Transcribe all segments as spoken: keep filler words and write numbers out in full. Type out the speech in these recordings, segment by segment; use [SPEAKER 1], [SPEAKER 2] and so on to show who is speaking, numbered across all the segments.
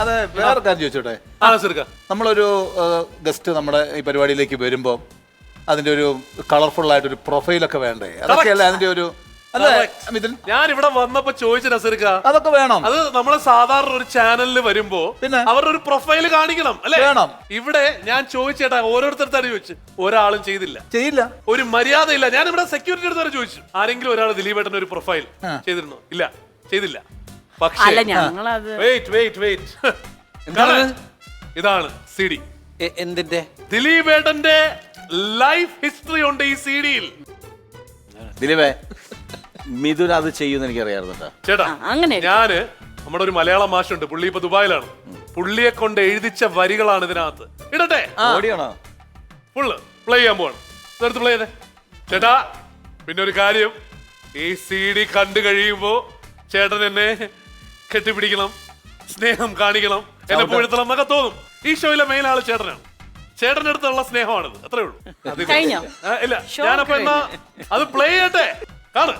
[SPEAKER 1] അതെ, വേറെ കാര്യം ചോദിച്ചോട്ടെ. നമ്മളൊരു ഗസ്റ്റ് നമ്മുടെ ഈ പരിപാടിയിലേക്ക് വരുമ്പോൾ അതിന്റെ ഒരു കളർഫുൾ ആയിട്ടൊരു പ്രൊഫൈലൊക്കെ വേണ്ടേ? അതൊക്കെയല്ലേ അതിന്റെ ഒരു
[SPEAKER 2] ഞാൻ ഇവിടെ വന്നപ്പോ ചോദിച്ചു നസീർക്ക,
[SPEAKER 1] അതൊക്കെ വേണം.
[SPEAKER 2] അത് നമ്മളെ സാധാരണ ഒരു ചാനലിൽ വരുമ്പോ പിന്നെ അവരുടെ ഒരു പ്രൊഫൈല് കാണിക്കണം അല്ലെ? വേണം. ഇവിടെ ഞാൻ ചോദിച്ചേട്ടാ, ഓരോരുത്തരുടെ ചോദിച്ചു, ഒരാളും ചെയ്തില്ല ചെയ്യില്ല ഒരു മര്യാദ ഇല്ല. ഞാൻ ഇവിടെ സെക്യൂരിറ്റി അടുത്ത് വരെ ചോദിച്ചു, ആരെങ്കിലും ഒരാൾ ദിലീപേട്ടൻ ഒരു പ്രൊഫൈൽ ചെയ്തിരുന്നു? ഇല്ല, ചെയ്തില്ല. പക്ഷേ വെയിറ്റ് വെയിറ്റ് വെയിറ്റ് ഇതാണ് സി ഡി.
[SPEAKER 3] എന്തിന്റെ?
[SPEAKER 2] ദിലീപേട്ടന്റെ ലൈഫ് ഹിസ്റ്ററി ഉണ്ട് ഈ സി ഡിയിൽ.
[SPEAKER 1] ദിലീപേ, മിഥുൻ അത് ചെയ്യുന്ന എനിക്കറിയാറുണ്ട്
[SPEAKER 2] ചേട്ടാ. ഞാന് നമ്മുടെ ഒരു മലയാള മാഷുണ്ട്, പുള്ളി ഇപ്പൊ ദുബായിലാണ്. പുള്ളിയെ കൊണ്ട് എഴുതിച്ച വരികളാണ് ഇതിനകത്ത്. ഇടട്ടെ? ഫുള്ള് പ്ലേ ചെയ്യാൻ പോവാണ്. എടുത്ത് പ്ലേ ചെയ്തേ ചേട്ടാ. പിന്നെ ഒരു കാര്യം, ഈ സി ഡി കണ്ടു കഴിയുമ്പോ ചേട്ടൻ എന്നെ കെട്ടിപ്പിടിക്കണം, സ്നേഹം കാണിക്കണം, എന്നെ പുഴുത്തണം എന്നൊക്കെ തോന്നും. ഈ ഷോയിലെ മെയിൻ ആള് ചേട്ടനാണ്. ചേട്ടന്റെ അടുത്തുള്ള സ്നേഹമാണിത്, അത്രേ ഉള്ളൂ. ഇല്ല, ഞാനപ്പോ എന്നാ അത് പ്ലേ ചെയ്യട്ടെ, കാണു.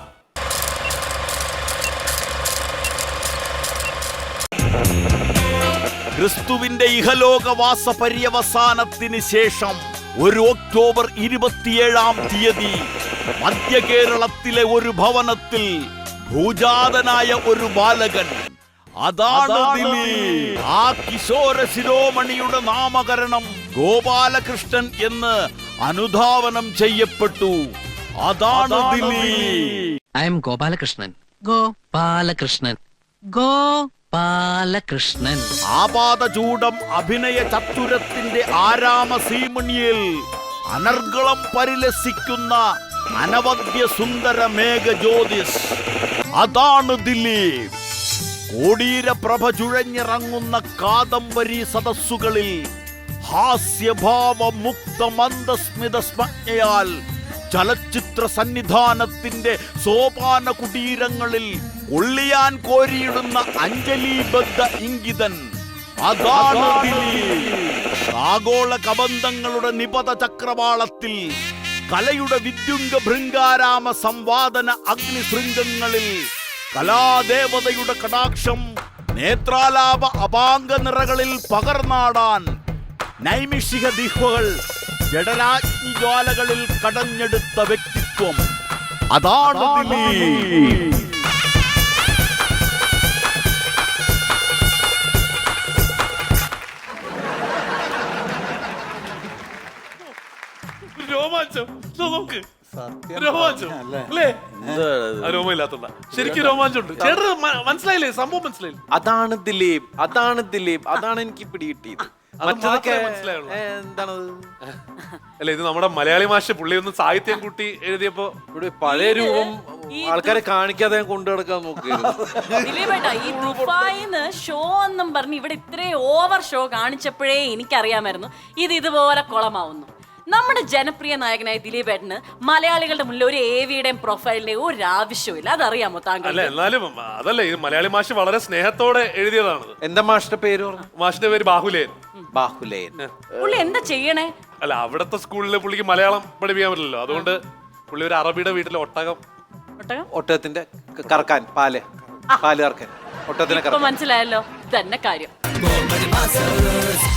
[SPEAKER 4] ക്രിസ്തുവിന്റെ ഇഹലോകവാസ പര്യവസാനത്തിന് ശേഷം ഒരു ഒക്ടോബർ ഇരുപത്തിയേഴാം തീയതി മധ്യ കേരളത്തിലെ ഒരു ഭവനത്തിൽ ഭൂജാതനായ ഒരു ബാലകൻ, അതാണ് ദിലീപ്. ആ കിശോര ശിരോമണിയുടെ നാമകരണം ഗോപാലകൃഷ്ണൻ എന്ന് അനുധാവനം ചെയ്യപ്പെട്ടു. അതാണ് ദിലീപ്.
[SPEAKER 5] I am Gopalakrishnan. ഗോപാലകൃഷ്ണൻ ഗോപാലകൃഷ്ണൻ.
[SPEAKER 4] ആപാദചൂഡം അഭിനയ ചത്തുരത്തിന്റെ ആരാമ സീമണിയിൽ അനർഗളം പരിലസിക്കുന്ന അനവദ്യ സുന്ദര മേഘജ്യോതിസ്, അതാണ് ദിലീപ്. കോടീരപ്രഭ ചുഴഞ്ഞിറങ്ങുന്ന കാദംബരി സദസ്സുകളിൽ ഹാസ്യഭാവ മുക്ത മന്ദസ്മിത സ്മജ്ഞയാൽ ചലച്ചിത്ര സന്നിധാനത്തിന്റെ സോപാന കുടീരങ്ങളിൽ ഒള്ളിയാൻ കോരിയിടുന്ന അഞ്ജലിബദ്ധ ഇംഗിതൻ, അതാണ് ദിലീപ്. ആഗോള കബന്ധങ്ങളുടെ നിപത ചക്രവാളത്തിൽ കലയുടെ വിദ്യുംഗ ഭൃംഗാരാമ സംവാദന അഗ്നിശൃംഗങ്ങളിൽ കലാദേവതയുടെ കടാക്ഷം നേത്രാലാപ അപാംഗ നിറകളിൽ പകർന്നാടാൻ നൈമിഷിക ദിഹ്വകൾ ജഡരാജ്ഞി ജ്വാലകളിൽ കടഞ്ഞെടുത്ത വ്യക്തിത്വം, അതാണ് ദിലീപ്.
[SPEAKER 2] രോമാഞ്ചം നോക്ക്, രോമാഞ്ചം അല്ലേ? രോമയില്ലാത്ത ശരിക്കും രോമാഞ്ചുണ്ട്. ചേട്ടന് മനസ്സിലായില്ലേ? സംഭവം മനസ്സിലായില്ലേ?
[SPEAKER 3] അതാണ് ദിലീപ്, അതാണ് ദിലീപ്, അതാണ് എനിക്ക് പിടികിട്ടിയത്. മറ്റതൊക്കെ എന്താണത്?
[SPEAKER 2] അല്ല, ഇത് നമ്മുടെ മലയാളി മാഷ് പുള്ളി ഒന്ന് സാഹിത്യം കൂട്ടി എഴുതിയപ്പോ
[SPEAKER 3] ഇവിടെ പഴയ രൂപം ആൾക്കാരെ കാണിക്കാതെ കൊണ്ടു നടക്കാൻ നോക്കിയിരുന്നു.
[SPEAKER 6] ഷോ എന്നും പറഞ്ഞ് ഇവിടെ ഇത്രയും ഓവർ ഷോ കാണിച്ചപ്പോഴേ എനിക്കറിയാമായിരുന്നു ഇത് ഇതുപോലെ കുളമാവുന്നു. നമ്മുടെ ജനപ്രിയ നായകനായ ദിലീപേട്ടന് മലയാളികളുടെ മുന്നിൽ ഒരു എവിയുടെയും പ്രൊഫൈലിന്റെയും ഒരു ആവശ്യമില്ല. അതറിയാമോ താങ്കൾ?
[SPEAKER 2] അല്ല, എന്നാലും അതല്ല, ഇത് മലയാളി മാഷ് വളരെ സ്നേഹത്തോടെ എഴുതിയതാണ്.
[SPEAKER 3] എന്താ മാഷിന്റെ പേര്?
[SPEAKER 2] മാഷിന്റെ പേര് ബാഹുലേൻ.
[SPEAKER 3] ബാഹുലേൻ.
[SPEAKER 6] പുള്ളി എന്താ ചെയ്യണേ?
[SPEAKER 2] അല്ല, അവിടത്തെ സ്കൂളിൽ പുള്ളിക്ക് മലയാളം പഠിപ്പിക്കാൻ പറ്റില്ലല്ലോ, അതുകൊണ്ട് പുള്ളി ഒരു അറബിയുടെ വീട്ടിലെ ഒട്ടകം
[SPEAKER 3] ഒട്ടകത്തിന്റെ കറക്കാൻ പാല് പാല് കറക്കാൻ ഒട്ടകത്തിനെ
[SPEAKER 6] മനസ്സിലായല്ലോ തന്നെ കാര്യം.